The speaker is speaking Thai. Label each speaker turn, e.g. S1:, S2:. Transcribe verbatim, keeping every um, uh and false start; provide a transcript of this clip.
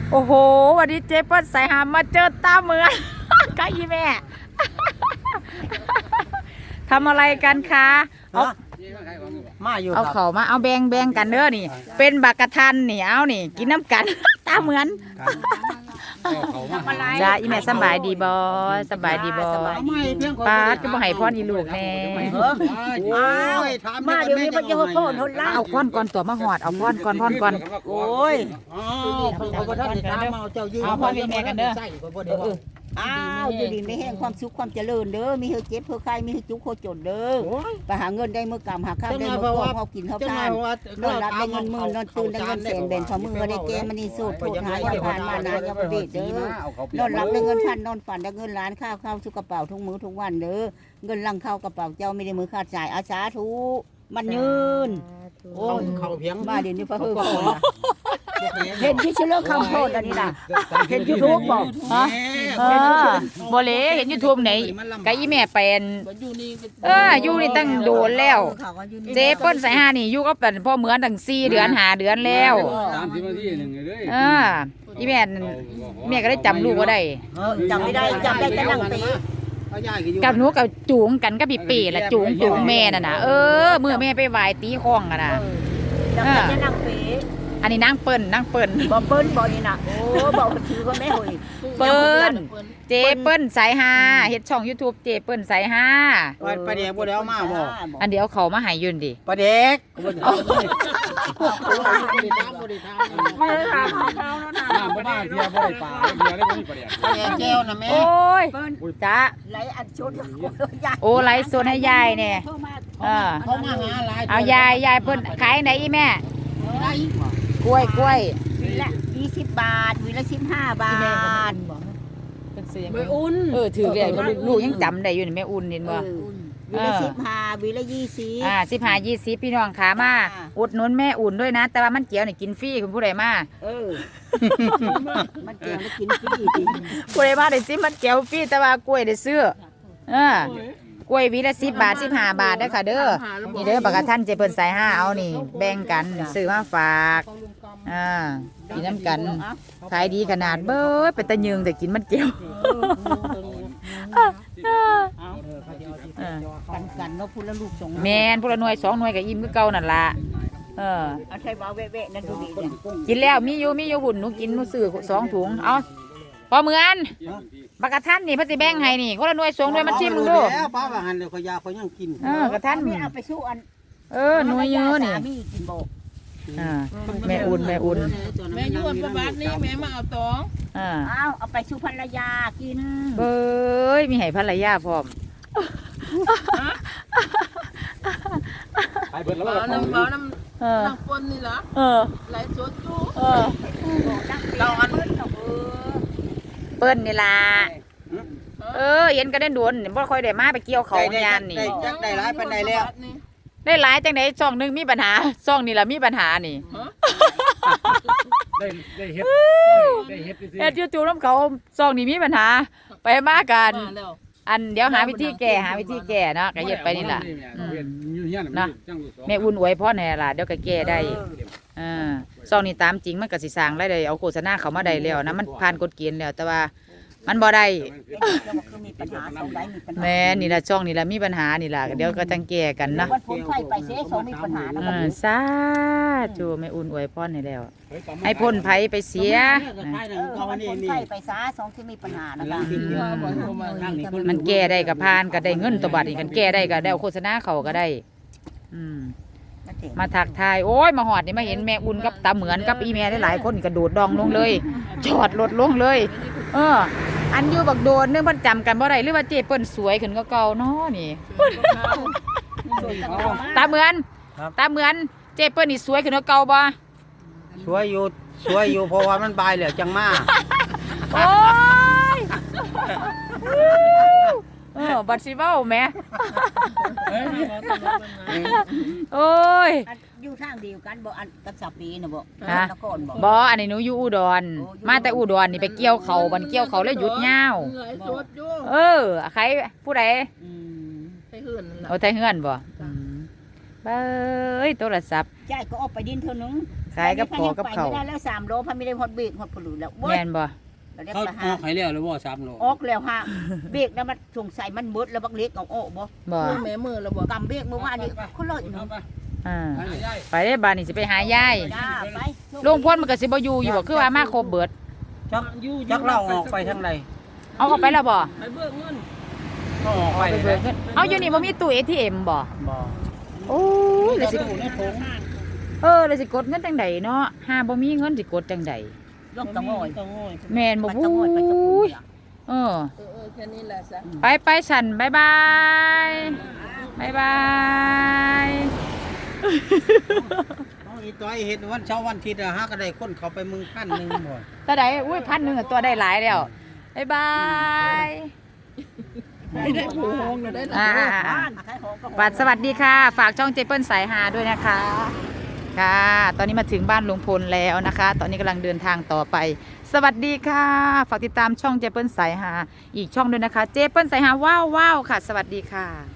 S1: โอ้โหวันนี้เจ๊เปิ้ลสายหามมาเจอตาเหมือนกับอีแม่ทำอะไรกันคะเอา
S2: มาอยู่
S1: เอาเขามาเอาแบ่งแบ่งกันเด้อนี่ เป็นบักกะทันนี่เอานี่ กินน้ำกัน ตาเหมือนจ้าอีแม่สบายดีบอสบายดีบอป้าจะบ่ให้พ่ออีลูกแน่
S2: มาเดี๋ยวนี้มันจะพ่อพ่อทนละ
S1: เอาพ่อนก่อนตัวมาหอดเอาพ่อนก่อนพ่อนก่อน
S2: โอ้ยเอาพ่อท่านถามเอาเจ้ายืน
S1: เอาพ่อพี่แม่กันเด้อ
S3: อ้าวอยู่ดีไม่แห้งความสุขความเจริญเด้อมีเฮเจ็บเฮใครมีเฮจุกโคจนเด้อไปหาเงินได้เมื่อกำหาข้าวได้เมื่อกองเขากินเขาทานนอนรับได้เงินหมื่นนอนตื่นได้เงินแสนแบนฝ่ามือได้แกมันนี่สูตรโทษหายาผ่านมานายาประเวทเด้อนอนรับได้เงินพันนอนฝันได้เงินล้านข้าวข้าวสุกกระเป๋าทุกมื้อทุกวันเด้อเงินลังเข้ากระเป๋าเจ้าไม่ได้มือขาดจ่ายอาสาธุมันยืน
S2: โอ้เขาเพียง
S3: มาเดี๋ยวนี้พระเฮือเห็นที่เชื่อคำโทษอันนี้นะเห็นยูทูบบอก
S1: ฮะเออบ่เลยเห็นยูทูบไหนกะอีแม่เป็นเอออยู่นี่ตั้งโดนแล้วเจ๊เปิ้ลสายห้านี่อยู่ก็เป็นพ่อเหมือนตั้งสี่เดือนหาเดือนแล้ว
S4: สามสิบนาทีหนึ่งเลย
S1: เอออีแม่แม่ก็ได้จำลูกว่าได้
S3: จำไม่ได้จำได้แต่นั่งตี
S1: กับหนูกับจูงกันกับปีปีละจูงจูงแม่น่ะนะเออเมื่อแม่ไปไหว้ตีคล้องกันนะ
S3: จำได้แต่นั่งตี
S1: อันนี้นั่งเปิ้ลนั่งเปิ้ล
S3: บ่เปิ้ลบ่นี่น่ะโอ้บ่ถือก็แม่หอย
S1: เปิ้ลเจเปิ้ลสายฮาเฮ็ดช่อง YouTube เจเปิ้ลสายฮา
S2: ประเดี๋ยวบ่ได้เอามาบ่
S1: อันเดี๋ยวเขามาให้ยืนดิ
S2: ประเด็ก
S4: ไม่ได้ทำเขาแล้วนะน้ำบ่ได้เที่ยวบ่ได้ปลาเที่ยวได้บ่มีประเดี๋ยว
S2: ประเด็กแก้วนะแม่
S1: โอ้ยจ้า
S3: ไหลอัดชด
S1: โอ้ไหลสดให้ยายเนี่ยเออ
S2: เขามาหาหลาย
S1: เอายายยายเพิ่นขายไหนอีแม่กล้วยกล้วย
S3: วีละยี่สิบบาทวีละสิบห้าบาท
S1: ไม่อุ่นเออถือเลยลูกยังจำได้อยู่นี่แม่อุ่นเห็นบ่
S3: วีละสิบห้าวีละยี่สิบ
S1: อ่าสิบห้ายี่สิบพี่น้องขามาอุดหนุนแม่อุ่นด้วยนะแต่ว่ามันเกี๊ยวนี่กินฟรีคุณผู้ใดมา
S3: เออมันเกี๊ยวได้กินฟรี
S1: ผู้ใดมาได้ซิมันเกี๊ยวฟรีแต่ว่ากล้วยได้ซื้อเออกล้วยวีละสิบบาทสิบห้าบาทได้ค่ะเด้อนี่เด้อปากกาท่านเจเปิ้ลสายห้าเอานี่แบ่งกันซื้อมาฝากอ่ากินน้ำกันขายดีขนาดเบ้อเป็นตะยึงแต่กินมันเกี๊ยว
S3: กันกันเนาะพูดแล้วลูกสอง
S1: แมนพูดละหน่วยสองหน่วยกับอิ่มก็เก่านั่นละเออ
S3: เอาใช้บ่าวเวะๆนั่นดูดีเนี่ย
S1: กินแล้วมีอยู่มีอยู่หุ่นหนูกินหนูซื้อสองถุงเอาพอเหมือนบักกะทันนี่พระสิแบ่งให้นี่คนละหน่วยสองหน่วยมันชิมดู
S2: แล้วป้าว่าหันเลยขยาเขายังกิน
S1: เออกระทัน
S3: ไม่เอาไปสู้อัน
S1: เออหน่วยเยอะนี่
S3: กินบ่
S1: อ่าแม่อุ่นแม่อุ่น
S4: แม่ยุ่นประวัตินี่แม่มาเอาตอง
S1: อ่า
S3: เอาเอาไปสู้ภรรยากิน
S1: เบ้ยมีให้ภรรยาพร้อม
S4: ไปเบิดแล้ว
S5: เอาน้ำเอาน้ำน้ำปนนี่เหรอ
S1: เออ
S5: ไหลสดจู
S1: เออเราอันเปิ้ลนี่ล่ะเออเห็นกันได้ด่วนบ่ค่อยได้มาไปเกี่ยวเขายานนี่
S2: ได้หลายปานใดแล้ว
S1: ได้หลายจังได๋ช่องนึงมีปัญหาช่องนี่ล่ะมีปัญหานี่
S4: ได้ได้เฮ็ดได้เฮ็ดซื่
S1: อเฮ็ดจู่ๆนำเขาช่องนี่มีปัญหาไปมากันอันเดี๋ยวหาวิธีแก้หาวิธีแก้เนาะก็เฮ็ดไปนี่ล่ะนะแม่อุ่นอวยพรให้ล่ะเดี๋ยวก็แก้ได้อ่าช่องนี้ตามจริงมันก็สิสร้างรายได้เอาโฆษณาเข้ามาได้แล้วนะมันผ่านกฎเกณฑ์แล้วแต่ว่ามันบ่ได้แม่นี่ล่ะช่องนี่ล่ะมีปัญหานี่ล่ะเดี๋ยวก็จังแก้กันนะ
S3: วันพ้นไฟไปเสียสองมีปัญหานะ
S1: สาธุแม่อุ่นอวยพรให้แล้วให้พ้นภัยไปเสีย
S3: ไฟไปซะสองที่มีปัญหานะคะ
S1: มันแก้ได้ก็ผ่านก็ได้เงินตัวบัดนี่กันแก้ได้ก็ได้โฆษณาเขาก็ได้อืมมาถักทายโอ้ยมาหอดนี่มาเห็นแม่อุ่นกับตาเหมือนกับอีแม่หลายคนกระโดดดองลงเลยจอดรถลงเลยเอออันอยู่บักโดนนึกมันจำกันบ่ได้หรือว่าเจ๊เปิ้ลสวยขึ้นก็เก่าเนาะนี่ตาเหมือนตาเหมือนเจ๊เปิ้ลนี่สวยขึ้นก็เก่าบ่
S2: สวยอยู่สวยอยู่เพราะว่ามันบายเหลือจังมา
S1: โอ้ยเออบัดสิเว้าแม่โอ้ย
S3: อยู่ทางเดียวกันบ่อันกับสาปีนะบ่นครบ่
S1: บ่อันนี้หนูอยู่อุดรมาแต่อุดรนี่ไปเกี่ยวเขาบันเกี่ยวเขาแล้วหยุดยาวเออใครผู้ใด
S5: ไทยเฮือน
S1: โอ้ไทยเฮือนบ่เบ้ยโทรศัพท์
S3: ใช่ก็ออกไปดินเท่านึง
S1: ขายกับขอกับเขาว
S3: ไม่ได้แล้วสามโลพันไม่ได้ฮอดเบรกฮอดผลุแล้ว
S1: แม่นบ่
S3: แล้วได้
S4: เขา
S3: ประ
S4: อ
S3: หา
S4: อกให้แล้วหรือว่าสามโล
S3: ออกแล้วฮะเบรกแล้วมันสงสัยมันมืดแล้วบักเล็กเอาออกบ่
S1: บ่
S5: มือแม่มือแล้วบ่
S3: กำเบรกเมื่อวานนี้คนละอยู่
S1: อ่า
S4: ไปไป
S1: ไปได้บ้านนี่สิไปหายาย
S3: จ้าไป
S1: ลุงพลมันก็สิบ่อยู่อยู่บ่คือว่ามาครบเบิด
S2: จักจักเล่าออกไปทางใด
S1: เอาออกไปแล้วบ่
S5: ไปเบิกเงิน
S2: ก็ออกไป
S1: ไปเบิกเงินเอาอยู่นี่บ่มีตู้ เอ ที เอ็ม บ่
S2: บ่
S1: โอ้ยเลยสิ
S2: อยู่ในถุง
S1: เออเลยสิกดเงินจังใดเนาะหาบ่มีเงินสิกดจังใด
S3: ยกตะงอย
S1: แม่นบ่
S3: ไป
S1: ฮู้
S3: ตะงอยไปตะงอย
S1: เออ
S5: เออเออแค่นี้แหละซะ
S1: ไปไปฉันบ๊ายบายบ๊ายบาย
S2: เอาอีตัวไอ้เห็ดวันเช้าร์วันอาทิตย์อะหาก็ได้คนเขาไปมึงพันหนึงบ่
S1: ตัวใดอุ้ยพันหนึงอะตัวได้หลายแล้วบ๊ายบาย
S5: ไม่ได้ผูกโฮงเลยได้หรอ
S1: อ่า
S3: บ้านขายของก็
S1: บัดสวัสดีค่ะ ฝากช่องเจเปิ้ลสายฮาด้วยนะคะ ค่ะ ตอนนี้มาถึงบ้านลุงพลแล้วนะคะ ตอนนี้กำลังเดินทางต่อไป สวัสดีค่ะ ฝากติดตามช่องเจเปิ้ลสายฮาอีกช่องด้วยนะคะ เจเปิ้ลสายฮาว้าวว้าวค่ะ สวัสดีค่ะ